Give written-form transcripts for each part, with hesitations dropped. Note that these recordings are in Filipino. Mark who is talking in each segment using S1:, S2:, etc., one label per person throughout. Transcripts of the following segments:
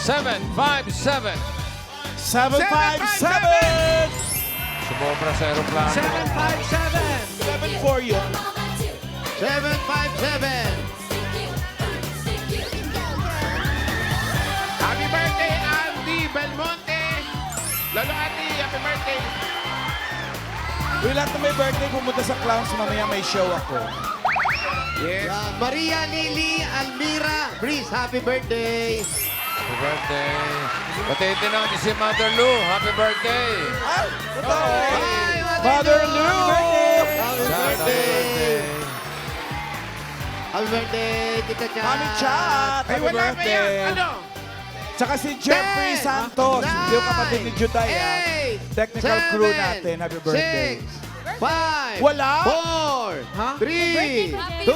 S1: 757.
S2: 757!
S1: Sumobra sa aeroplano.
S3: 757.
S2: 7 for you.
S4: 757.
S5: Happy birthday, Andy Belmonte! Lolo Andy, happy birthday!
S2: Uy, lahat na may birthday, pumunta sa Clowns, mamaya may show ako.
S5: Yes.
S4: Maria Lily Almira Breeze, happy birthday.
S1: Happy birthday. Batiin din natin si Mother Lou. Happy birthday.
S2: Ay! Totoo!
S4: Hi,
S2: Mother Lou!
S4: Happy
S1: Sana
S4: birthday. Happy birthday, Tita Chat.
S2: Mami Chat!
S5: Ay,
S2: Happy
S5: wala pa yan.
S2: birthday!
S5: Ano?
S2: Tsaka si Jeffrey
S4: 10,
S2: Santos,
S4: 9,
S2: yung kapatid ni Judaya.
S4: 8,
S2: Technical crew natin. Happy birthday.
S4: 6, 5,
S2: Wala?
S4: 4, 3, 2,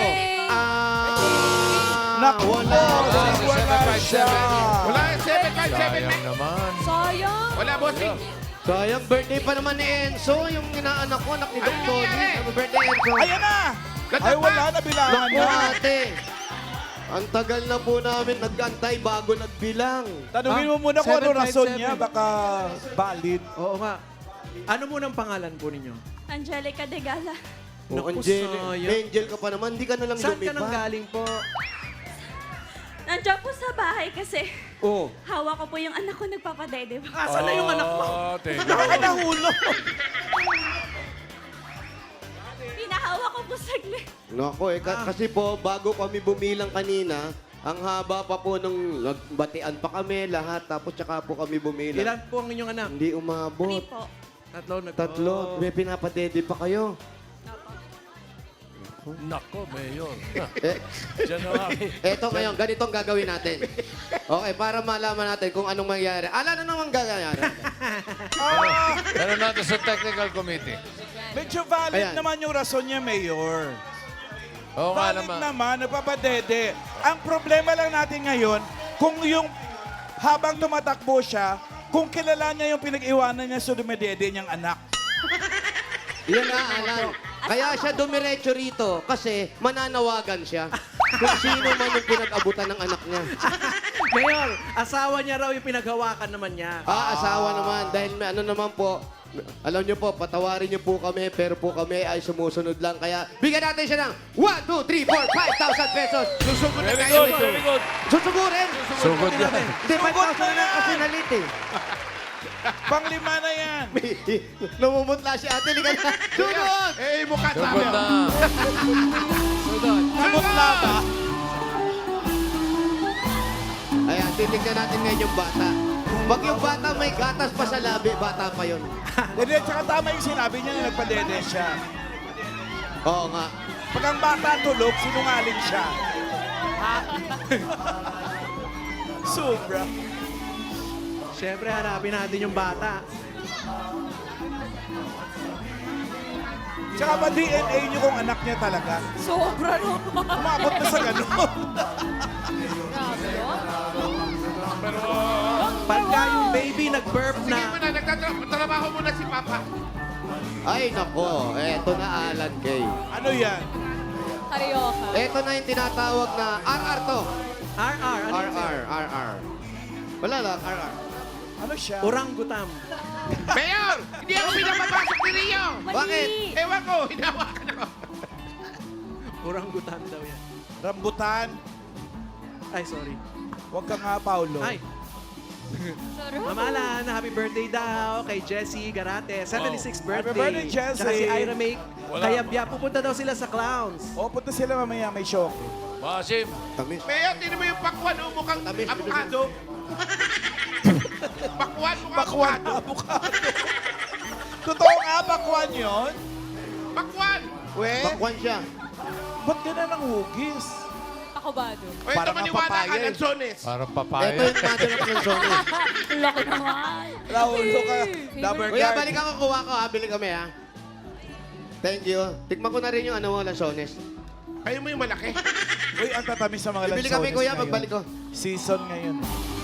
S2: Naku,
S4: wala.
S2: wala siya.
S5: Wala yung 757
S1: Sayang naman.
S6: Sayang.
S5: Wala, bossing.
S4: Sayang birthday pa naman ni Enzo, yung inaanak ko, anak ni Doc
S5: Ano
S4: Tony.
S5: nangyari?
S4: Happy birthday, Enzo.
S2: Ayan na! Ay, wala na bilangan
S4: Naku,
S2: na.
S4: ate. Ang tagal na po namin nag-antay bago nagbilang.
S2: Tanungin mo muna kung ano
S3: 757.
S2: rason niya, baka valid.
S3: Oo nga. Ano munang pangalan po ninyo?
S6: Angelica de Gala.
S4: O,
S3: Naku,
S4: Angel,
S3: sayang.
S4: Angel ka pa naman, hindi ka na lang
S3: Saan ka nang
S4: lumipat.
S3: galing po?
S6: Nandiyan po sa bahay kasi
S4: Oh.
S6: hawak ko po yung anak ko nagpapadede.
S3: Asan na yung anak mo?
S1: Oh, thank you.
S2: Baka nahulog.
S6: Pinahawak ko po saglit.
S4: Naku, kasi po, bago kami bumilang kanina, ang haba pa po nung nagbatian pa kami lahat, tapos tsaka po kami bumilang.
S3: Ilan po ang inyong anak?
S4: Hindi umabot.
S6: 3 po.
S4: Tatlo. May pinapadede pa kayo.
S1: Nako, Mayor.
S4: Eh,
S1: Diyan na kami.
S4: eto ngayon, ganito ang gagawin natin. Okay, para malaman natin kung anong mangyayari. Ano naman gagawin?
S1: Pero natin sa technical committee.
S2: Medyo valid
S4: Ayan.
S2: naman yung rason niya, Mayor.
S1: Oo nga
S2: Valid
S1: naman.
S2: naman, nagpapadede. Ang problema lang natin ngayon, kung yung habang tumatakbo siya, kung kilala niya yung pinag-iwanan niya sa dumedede niyang anak.
S4: Yan na, Alan. Kaya siya dumiretso rito kasi mananawagan siya kung sino man yung pinag-abutan ng anak niya.
S3: Mayor, asawa niya raw yung pinaghawakan naman niya.
S4: Asawa naman. Dahil may ano naman po, alam niyo po, patawarin niyo po kami, pero po kami ay sumusunod lang. Kaya bigyan natin siya ng 1, 2, 3, 4, 5,000 pesos. Susugod na
S1: Very
S4: tayo.
S1: good, very good.
S4: Susugurin?
S1: Sugod yan.
S4: Hindi, 5,000 na lang kasi nalit eh.
S2: Panglima na yan.
S4: Namumutla si ate. Liga na. Sunod!
S5: Eh, mukha sa
S1: Sugod
S5: amin.
S1: na.
S2: Namutla ba?
S4: Ayan, titignan natin ngayon yung bata. Pag yung bata may gatas pa sa labi, bata pa yun.
S2: Hindi, tsaka tama yung sinabi niya na nagpadede siya.
S4: Oo nga.
S2: Pag ang bata tulog, sinungaling siya. Sobra.
S3: Siyempre, hanapin natin yung bata.
S2: Tsaka ba DNA niyo kung anak niya talaga?
S6: Sobra naman.
S2: Umabot na sa ganun.
S3: Pagka yung baby nag-burp
S5: Sige
S3: na,
S5: muna, nagtatrabaho muna si Papa.
S4: Ay, nako. Eto na, Alan Kay.
S2: Ano yan?
S6: Karyoka.
S4: Eto na yung tinatawag na RR to.
S3: RR, ano yun?
S4: RR. Wala lang, RR.
S2: Ano siya?
S3: Orangutam.
S5: Mayor, hindi ako pinapapasok ni Rio.
S6: Mali.
S4: Bakit?
S5: Ewan ko, hinawakan ako.
S3: Orangutam daw yan.
S2: Rambutan.
S3: Ay, sorry.
S2: Huwag ka nga, Paulo.
S3: Ay,
S6: Sorry.
S3: Mamalan, happy birthday daw kay Jessie Garate. 76th birthday.
S2: Happy birthday, Jessie.
S3: Tsaka si Ira Make. Kaya biya, pupunta daw sila sa Clowns.
S2: O, punta sila mamaya, may show.
S1: Basim.
S4: Tamis.
S5: Mayor, tinan mo yung pakwan, oh, mukhang
S4: Tamis,
S5: avocado. Pakwan, mukhang
S2: Bakwan na
S5: avocado.
S2: avocado. Totoo nga, bakwan yun?
S5: Pakwan.
S4: Bakwan siya.
S2: Ba't ganun ang hugis?
S6: Pakubado.
S5: O ito
S2: Parang
S5: maniwala ka,
S2: papaya eh.
S5: Lanzones.
S1: Parang
S4: Ito
S1: papaya.
S4: yung mother of Lanzones.
S6: Laki naman.
S2: Raul ka. Double
S4: Kuya,
S2: guard.
S4: balik ako, kuha ko ha. Bili kami ha. Thank you. Tikman ko na rin yung ano mo, Lanzones.
S5: Kayo mo yung malaki.
S2: Uy, ang tatamis sa mga
S4: Bibili
S2: lansones
S4: kami, kuya,
S2: ngayon.
S4: pagbalik ko.
S2: Season ngayon.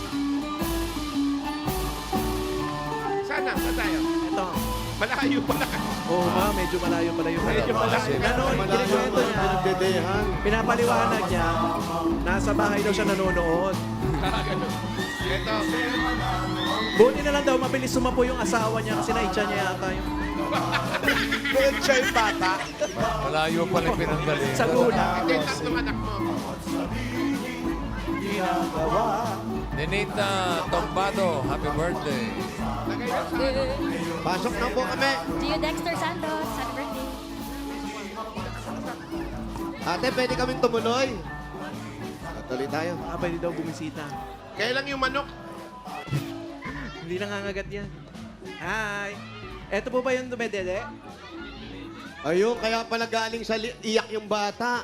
S5: Sana, saan tayo?
S3: Ito.
S5: Malayo pala ka.
S3: Oo ba, medyo malayo pala yung
S5: Medyo malayo.
S3: Nanonood, kinikwento niya.
S4: Pinagdedehan.
S3: Pinapaliwanag niya, nasa bahay daw siya nanonood.
S5: Ito.
S3: Buti na lang daw, mabilis sumapo yung asawa niya kasi naitsa niya yata yung
S2: Doon siya yung bata.
S1: Malayo pa rin pinanggaling.
S3: sa gulang.
S5: Ito yung tatlong anak mo.
S1: Nenita Tombado, happy birthday.
S5: Lagay mo sa...
S4: Pasok na po kami.
S6: Gio Dexter Santos, happy birthday.
S4: Ate, pwede kaming tumuloy. Tuloy tayo.
S3: Pwede daw bumisita.
S5: Kailan yung manok?
S3: Hindi nangangagat yan. Hi! Eto po ba yung dumedede?
S4: Ayun, kaya pala galing sa iyak yung bata.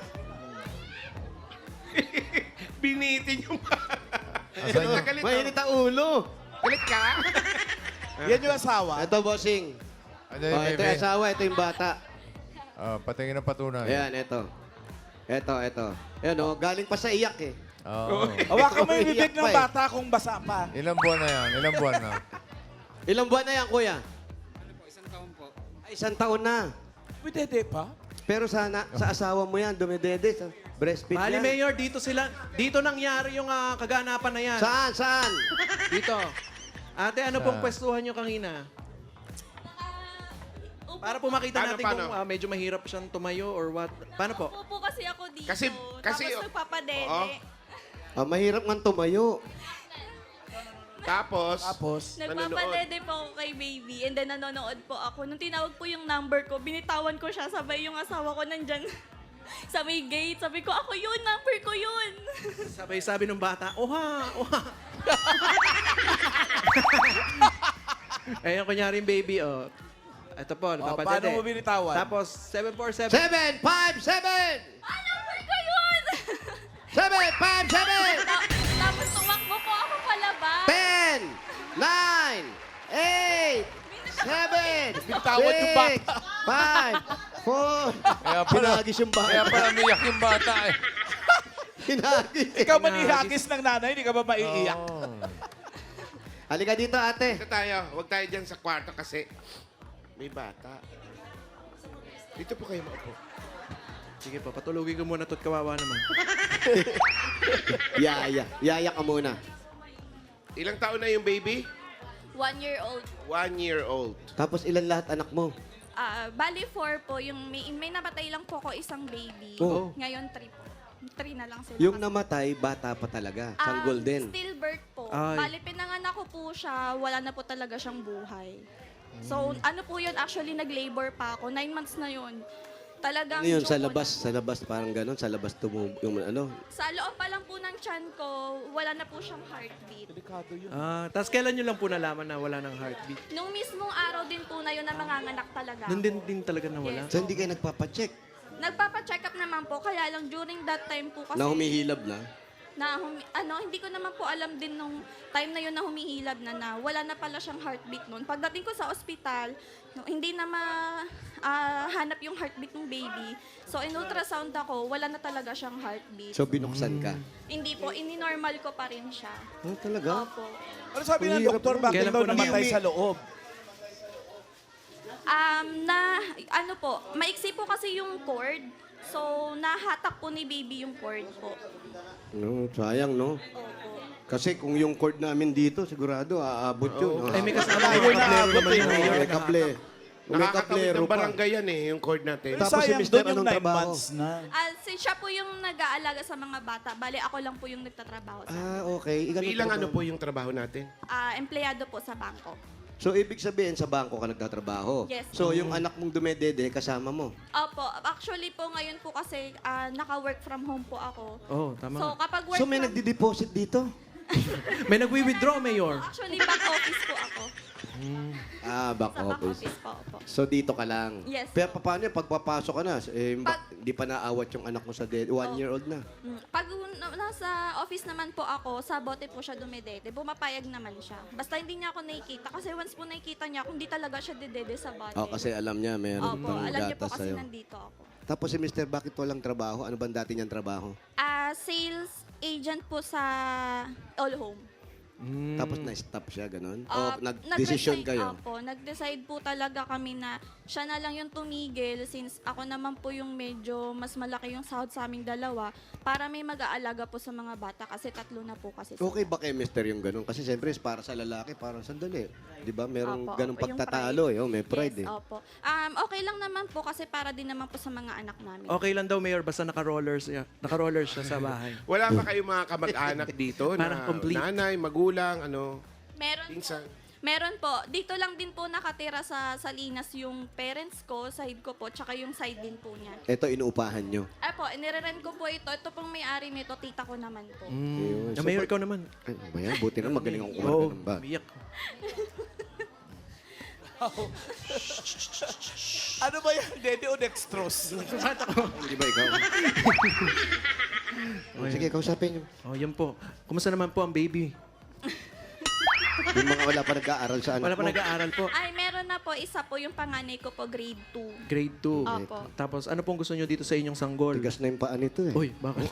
S5: Binitin yung...
S1: Asan yung-
S5: Galit, oh.
S4: Mainit ang ulo.
S5: Galit ka?
S2: Yan yung asawa.
S4: Ito, bossing.
S1: Ano
S4: Oh,
S1: yung
S4: ito
S1: baby?
S4: yung asawa, ito yung bata.
S1: Patingin ng patunay.
S4: Ayan, ito. Ito. Ayan, oh, galing pa sa iyak eh.
S1: Oo.
S2: Hawakan mo yung bibig
S4: Iyak
S2: ng
S4: pa eh.
S2: bata kung basa pa.
S1: Ilang buwan na yan? Ilang buwan na?
S4: Ilang buwan na yan, kuya? Isang taon po. Ay, isang taon na.
S2: Pwede pa?
S4: Pero sana, sa asawa mo yan, dumidede, sa breastfeed
S3: Mali
S4: yan.
S3: Mayor, dito nangyari yung kaganapan na yan.
S4: Saan?
S3: Dito. Ate, ano pong
S1: Saan?
S3: pwestuhan nyo kanina? Para po makita
S5: Paano,
S3: natin
S5: paano?
S3: kung medyo mahirap siyang tumayo or what. Paano po?
S7: Upo kasi ako dito.
S5: Kasi-
S7: Tapos nagpapadede.
S5: Oo.
S4: Mahirap nga tumayo.
S5: Tapos...
S7: Nagpapadede po ako kay baby and then nanonood po ako. Nung tinawag po yung number ko, binitawan ko siya. Sabay yung asawa ko nandyan sa may gate. Sabi ko, ako yun, number ko yun.
S3: Sabay-sabi ng bata, oha. Ayun, kunyari yung baby, oh. Ito po,
S2: Paano
S3: napapadede.
S2: mo binitawan?
S3: Tapos, 747.
S4: 7, 5, 7!
S7: Ah, number ko yun!
S4: 7, 5, 7!
S7: Tapos tumakbo po ako palabas.
S4: 10, 9, 8, 7,
S2: Bitawan yung bata.
S4: 5, 4.
S1: Kaya pala,
S4: Hinagis yung bata.
S1: kaya pala umiyak yung bata eh.
S4: Hinagis.
S2: Ikaw manihagis ng nanay, hindi ka ba maiiyak?
S1: Oh.
S4: Halika dito, ate.
S5: Dito tayo. Huwag tayo dyan sa kwarto kasi may bata. Dito po kayo maupo.
S3: Sige po, patulugin ko muna to't kawawa naman.
S4: Yaya ka muna.
S5: Ilang taon na yung baby?
S7: 1 year old.
S5: 1 year old.
S4: Tapos ilan lahat anak mo?
S7: Bali 4 po. Yung may namatay lang po ko isang baby.
S4: Oh.
S7: Ngayon 3 po. 3 na lang sila.
S4: Yung
S7: kasi.
S4: namatay, bata pa talaga. Sanggol din.
S7: Stillbirth po.
S3: Ay.
S7: Bali, pinanganak ko po siya, wala na po talaga siyang buhay. So, ano po yun, actually, nag-labor pa ako. 9 months na yun. Talagang...
S4: Ano yun, sa
S7: joke
S4: labas,
S7: ko
S4: sa labas parang gano'n, sa labas yung ano.
S7: na. Sa loob pa lang po ng tiyan ko, wala na po siyang heartbeat.
S3: Tapos kailan nyo lang po nalaman na wala ng heartbeat?
S7: Nung mismong araw din po na yun na manganganak talaga.
S3: Nun din talaga nawala?
S7: Yes.
S4: So hindi kayo nagpapacheck
S7: Nagpapa-check up naman po, kaya lang during that time po kasi...
S4: na humihilab na?
S7: Hindi ko naman po alam din nung time na yun na humihilab na wala na pala siyang heartbeat noon. Pagdating ko sa ospital, hindi na hanap yung heartbeat ng baby. So, in ultrasound ako, wala na talaga siyang heartbeat.
S4: So binuksan ka?
S7: Hindi po, ini-normal ko pa rin siya.
S4: Oh, talaga?
S7: Opo.
S2: Ano sabi ng
S4: Hirap
S2: doktor,
S4: naman.
S2: bakit
S3: Kailan
S2: daw
S3: po
S2: namatay
S4: naman-
S2: sa loob?
S7: Maiksi po kasi yung cord. So, nahatak po ni baby yung cord po.
S4: No, sayang, no?
S7: Opo.
S4: Kasi kung yung cord namin dito, sigurado aabot yun.
S3: Ay, may kasama
S2: Ayun
S3: yung
S2: na,
S3: kablero
S2: abot
S3: naman
S2: eh.
S3: yung mayor.
S4: May kable. May
S5: Nakakatawid
S4: kablero
S5: ng
S4: pa.
S5: barangay yan eh, yung cord natin.
S2: Pero
S4: Tapos si
S2: sayang
S4: Mr.
S2: doon yung
S4: anong
S2: 9
S4: trabaho?
S2: months na.
S7: Siya po yung nag-aalaga sa mga bata. Bali, ako lang po yung nagtatrabaho sa
S4: Okay.
S5: Ilang ano po yung trabaho natin?
S7: empleyado po sa bangko.
S4: So, ibig sabihin, sa bangko ka nagtatrabaho.
S7: Yes.
S4: So, yung anak mong dumedede, kasama mo.
S7: Opo, actually po ngayon po kasi naka-work from home po ako.
S3: Oh, tama.
S7: So kapag work
S4: So, may
S7: from...
S4: nagdi-deposit dito?
S3: May nagwi-withdraw, Mayor.
S7: Actually, back office po ako.
S4: Back
S7: Sa back
S4: office.
S7: office po, opo.
S4: So, dito ka lang?
S7: Yes.
S4: Pero paano yun? Pagpapasok ka na,
S7: Pag-
S4: hindi pa naawat yung anak mo sa 1-year-old na.
S7: Pag nasa office naman po ako, sa bote po siya dumedede, bumapayag naman siya. Basta hindi niya ako nakikita. Kasi once po nakikita niya, kung di talaga siya dedede sa bote.
S4: Kasi alam niya, meron
S7: Opo,
S4: pang
S7: alam niyo po
S4: gatas
S7: kasi
S4: sa'yo.
S7: nandito ako.
S4: Tapos si Mr. bakit walang trabaho? Ano bang dati niyang trabaho?
S7: Sales agent po sa All Home.
S4: Tapos na-stop siya, ganun?
S7: Ah,
S4: O nag-decision
S7: nag-decide-
S4: kayo?
S7: Opo, nag-decide po talaga kami na siya na lang yung tumigil since ako naman po yung medyo mas malaki yung sahod sa aming dalawa para may mag-aalaga po sa mga bata kasi 3 na po kasi sila.
S4: Okay ba kay mister yung ganun? Kasi siyempre, para sa lalaki, parang sandali. Di ba? Merong
S7: Opo,
S4: ganung
S7: opo, yung
S4: pagtatalo.
S7: pride.
S4: May pride
S7: Yes,
S4: eh.
S7: opo. Okay lang naman po kasi para din naman po sa mga anak namin.
S3: Okay lang daw, Mayor, basta naka-rollers siya sa bahay.
S5: Wala pa kayong mga kamag-anak dito
S3: Parang
S5: na
S3: complete.
S5: nanay, magulang, ano,
S7: Meron
S5: pinsan?
S7: Meron po. Dito lang din po nakatira sa Salinas yung parents ko, side ko po, tsaka yung side din po niya.
S4: Ito, inuupahan nyo.
S7: Po, inirerent ko po ito. Ito pong may-ari nito, tita ko naman po.
S4: Ayun. So,
S3: Mayor, ikaw naman.
S4: Ay, maya, buti na magaling ang kumanta
S3: Oo,
S4: ng ba.
S3: umiyak.
S2: Ano ba yan? Dede o dextrose?
S4: Hindi ba ikaw? Sige, kausapin nyo.
S3: Oh, yan po. Kumusta naman po ang baby?
S4: Yung mga wala pa nag-aaral sa anak
S3: Wala pa
S4: mo.
S3: nag-aaral po.
S7: Ay, meron na po. Isa po yung panganay ko po, grade 2.
S3: Grade 2.
S7: Opo.
S3: Tapos, ano pong gusto nyo dito sa inyong sanggol?
S4: Tigas na yung paa nito eh.
S3: Uy, bakit?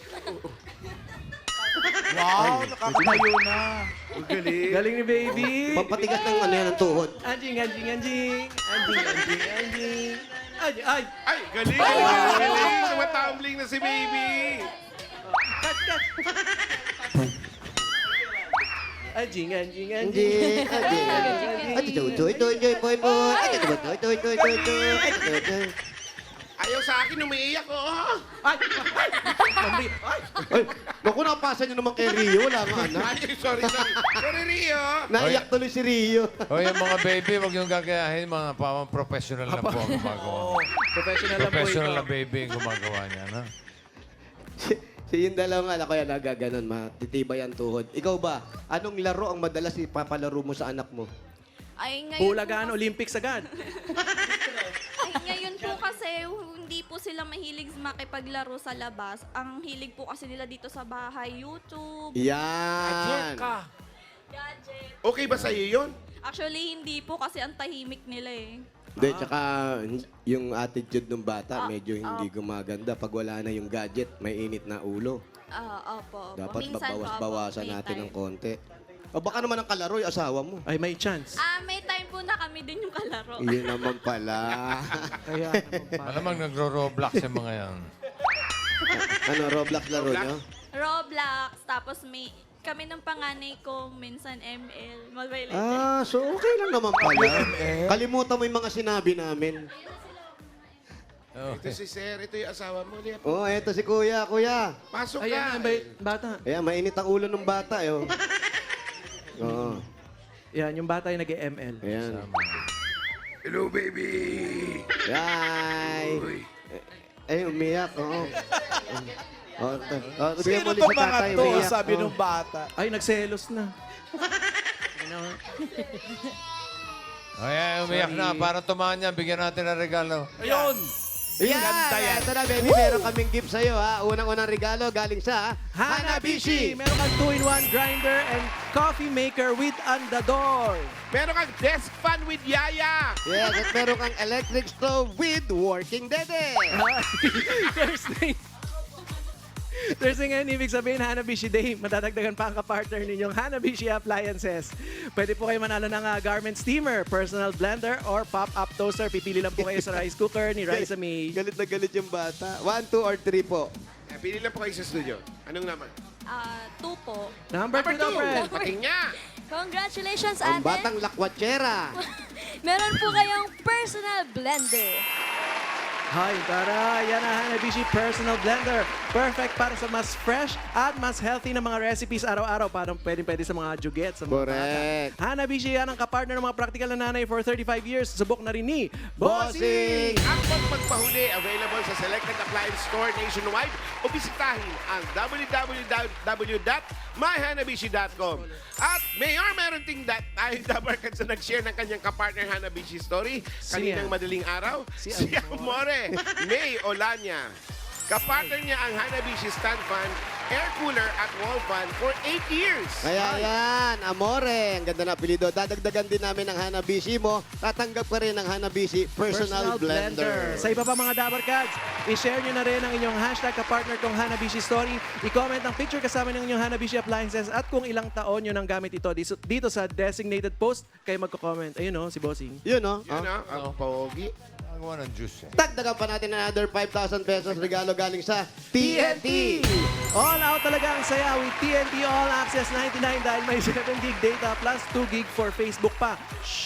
S2: Wow, nakakatayo na.
S3: Galing ni baby!
S4: Pampatigas ng ano yan, ng tuhod.
S3: Anjing, anjing, anjing! Anjing, anjing, anjing! Anjing, ay!
S5: Ay, galing! Galing! Tumatumbling na si baby!
S3: Cut, cut! Anjing, anjing,
S4: Hindi.
S3: anjing!
S5: Ayaw sa akin, umiiyak, oh!
S3: Ay! Mami! Ay!
S4: Ay, naku, napasa nyo naman kay Rio. Wala nga anak.
S5: Ay, sorry. Sorry, Rio!
S4: Naiyak tuloy si Rio.
S1: O yung mga baby, wag yung gagayahin. Mga pamang professional na po ang gumagawa.
S3: Professional lang po
S1: Professional
S3: ito.
S1: na baby ang gumagawa niya. No?
S4: Si yung dalawang anak ko yan, nagaganon, matitibay ang tuhod. Ikaw ba, anong laro ang madalas ipapalaro mo sa anak mo?
S7: Ay, ngayon
S3: Bulagaan, Olympics agad.
S7: Ay, ngayon po kasi hindi po sila mahilig makipaglaro sa labas. Ang hilig po kasi nila dito sa bahay, YouTube,
S4: Yan.
S7: gadget.
S5: Okay ba sa'yo yun?
S7: Actually, hindi po kasi ang tahimik nila eh.
S4: Hindi, tsaka yung attitude ng bata, medyo hindi gumaganda. Pag wala na yung gadget, may init na ulo.
S7: Opo.
S4: Dapat
S7: Minsan po,
S4: babawas-bawasan
S7: may
S4: natin
S7: time.
S4: ng konti. O baka naman ang kalaro yung asawa mo.
S3: Ay, may chance.
S7: May time po na kami din yung kalaro.
S4: Yun naman pala.
S3: Kaya, naman pa.
S1: Malamang nagro-roblox yung mga yan.
S4: Ano, Roblox laro nyo?
S7: Roblox, tapos may kami ng panganay ko, minsan ML, Mobile Legends.
S4: Ah, so okay lang naman pala. Kalimutan mo yung mga sinabi namin.
S5: Ito si Sir, ito yung asawa mo. Liap.
S4: Oh, eto si Kuya. Kuya.
S5: Pasok ka!
S3: Ayan, ang bata.
S4: Ayan, mainit ang ulo ng bata, eh. Oh. Oo.
S3: Yan, yung bata yung nag-ML.
S4: Ayan.
S5: Hello, baby!
S4: Yay!
S5: Uy.
S4: Eh, umiyak, oo. Bigyan mo
S2: Sino
S4: ulit
S2: itong
S4: sa
S2: mga
S4: tatay,
S2: to?
S4: umiyak.
S2: Sabi
S4: Oo.
S2: nung bata.
S3: Ay, nagselos na.
S1: Ay, umiyak na. Para tumahan niya, bigyan natin ng regalo.
S2: Ayun!
S4: Yan!
S2: Ganda yan.
S4: Ito na, baby. Meron kaming gift sa'yo, ha? Unang-unang regalo galing sa
S3: Hanabishi! Meron kang 2-in-1 grinder and coffee maker with Andador.
S5: Meron kang desk fan with Yaya!
S4: Yes, at meron kang electric stove with working dede.
S3: Thursday ngayon, ibig sabihin Hanabishi Day. Matatagdagan pa ang kapartner ninyong Hanabishi Appliances. Pwede po kayo manalo ng garment steamer, personal blender, or pop-up toaster. Pipili lang po kayo sa rice cooker ni Raisa May.
S4: Galit na galit yung bata. 1, 2, or 3 po.
S5: Pili lang po kayo sa studio. Anong naman?
S7: 2 po.
S3: Number 2 daw, friend.
S5: Pating niya!
S6: Congratulations,
S4: Ang
S6: ate.
S4: batang lakwatsera.
S6: Meron po kayong personal blender.
S3: Hi, tara! Yan ang Hanabishi Personal Blender. Perfect para sa mas fresh at mas healthy na mga recipes araw-araw. Parang pwede sa mga juget, sa mga
S4: Correct.
S3: bata. Hanabishi yan ang kapartner ng mga practical na nanay for 35 years. Subok na rin ni
S4: Bossing!
S5: Ang pagpagpahuli, available sa selected appliance store nationwide o bisitahin ang www.myhanabishi.com. At Mayor, meron ting tayong dabarkan sa nag-share ng kanyang kapartner Hanabishi story kaninang
S3: yan?
S5: madaling araw.
S3: Si
S5: Si Amore, May Olanya. Kapartner niya ang Hanabishi stand fan, air cooler at wall fan for 8 years.
S4: Kaya yan, Amore, ang ganda na apelido. Dadagdagan din namin ang Hanabishi mo. Tatanggap ka rin ng Hanabishi Personal Blender.
S3: Sa iba pa mga Dabar Cats, i-share nyo na rin ang inyong hashtag kapartner kong Hanabishi Story. I-comment ang picture kasama ng inyong Hanabishi appliances at kung ilang taon nyo nang gamit ito dito sa designated post, kayo magko-comment. Ayun si Bossing.
S4: Yun, no?
S5: Yun ang pogi.
S1: Nagawa ng juice eh.
S4: Dagdagan pa natin another 5,000 pesos regalo galing sa TNT.
S3: All out talaga ang saya with TNT All Access 99 dahil may 7 gig data plus 2 gig for Facebook pa.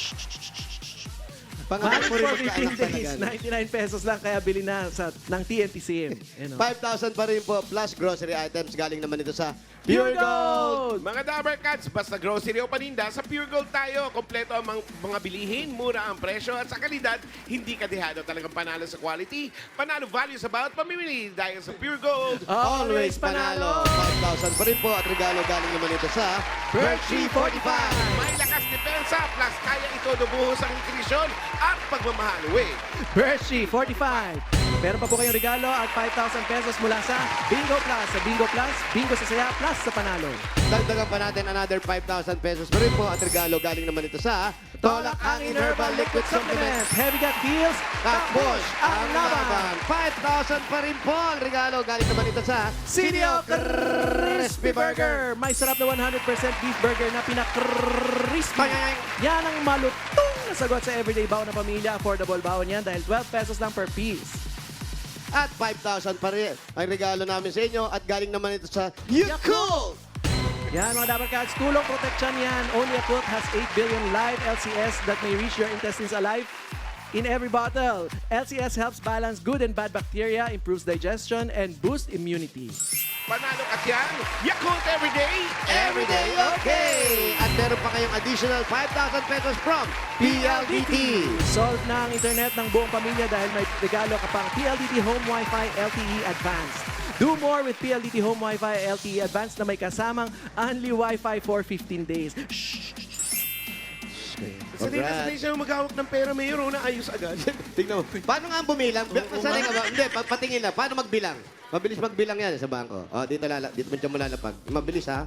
S4: Pangalan mo rin
S3: For 15 days,
S4: magkaanak
S3: 99 pesos lang kaya bili na ng TNT SIM.
S4: 5,000 pa rin po plus grocery items galing naman ito sa
S3: Pure Gold!
S5: Mga Dabber Cats, basta grocery o paninda, sa Pure Gold tayo. Kompleto ang mga bilihin, mura ang presyo at sa kalidad, hindi kadihado. Talagang panalo sa quality, panalo value sa bawat pamimili. Dahil sa Pure Gold,
S4: Always Panalo. 5,000 pa rin po at regalo galing naman ito sa Berkshire 45.
S5: may lakas depensa, plus kaya ito dubuhos ang nutrisyon at pagmamahal. Wait,
S3: Hershey 45. Meron pa po kayong regalo at 5,000 pesos mula sa Bingo Plus. Sa Bingo Plus, Bingo sa saya plus sa panalo.
S4: Dagdagan pa natin another 5,000 pesos pa rin po at regalo galing naman ito sa Tolak Angin Herbal Liquid Supplement.
S3: Heavy Gut Heals,
S4: Takbosh ang laban. 5,000 pa rin po ang regalo galing naman ito sa
S3: Sinio Crispy Burger. May sarap na 100% beef burger na pinaka-crispy. Yan ang malutong na sagot sa everyday baon ng pamilya. Affordable baon yan dahil 12 pesos lang per piece.
S4: At 5,000 pa rin ang regalo namin sa inyo at galing naman ito sa Yakult.
S3: Yan mga Dabar Cats, tulong protection yan. Only Yakult has 8 billion live LCS that may reach your intestines alive in every bottle. LCS helps balance good and bad bacteria, improves digestion, and boosts immunity.
S5: panalo ka yan. Yakult everyday,
S4: Everyday okay! At meron pa kayong additional 5,000 pesos from PLDT.
S3: Solve na ang internet ng buong pamilya dahil may regalo ka pang PLDT Home Wi-Fi LTE Advanced. Do more with PLDT Home Wi-Fi LTE Advanced na may kasamang only Wi-Fi for 15 days. Shh!
S5: Sanay na sanay siya maghawak ng pera, Mayor. Una, ayos agad.
S4: Tingnan mo. Paano nga bumilang? Sanay ka ba? Hindi, patingin lang. Paano magbilang? Mabilis magbilang yan sa bangko. O, dito mo lalapag. Mabilis, ha?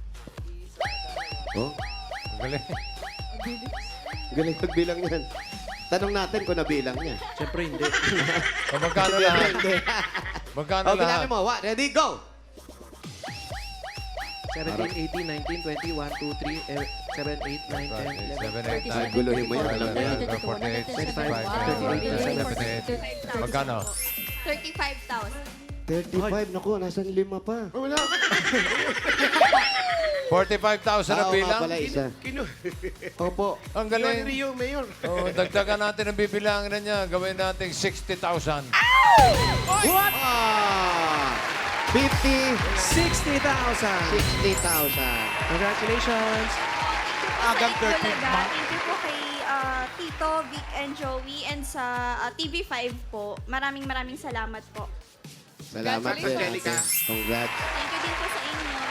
S4: Oh,
S1: Galing.
S4: galing magbilang yan. Tanong natin kung nabilang niya.
S3: Siyempre hindi.
S1: O, magkano lahat?
S4: Hindi.
S1: Magkano
S4: O,
S1: lahat?
S4: bilangin mo. Ready, go!
S3: 17, 18, 19, 20, 1, 2, 3, 7, 8, 9, 10, 11.
S1: 7, 8, 9,
S4: Guluhin mo yan, alam mo yan.
S1: 48, 65, 78. Magkano?
S7: 35,000.
S4: 35, naku, nasan lima pa?
S5: Wala.
S1: 45,000 ang
S4: Oo nga
S1: bilang?
S4: pala, isa. Opo.
S1: Ang
S5: Galing.
S1: galing.
S5: Rio, Mayor.
S1: Oh, dagdagan natin ang bibilangin na niya. Gawin natin 60,000.
S3: What?
S4: Ah! 50,
S3: 60,000!
S4: 60,000.
S3: Congratulations!
S2: Agang
S7: Thank you
S2: 13th
S7: talaga.
S2: month.
S7: Thank you po kay Tito, Vic, and Joey. And sa TV5 po, maraming salamat po.
S4: Salamat,
S5: Congratulations,
S4: din.
S5: Angelica.
S4: Congrats.
S7: Thank you din po sa inyo.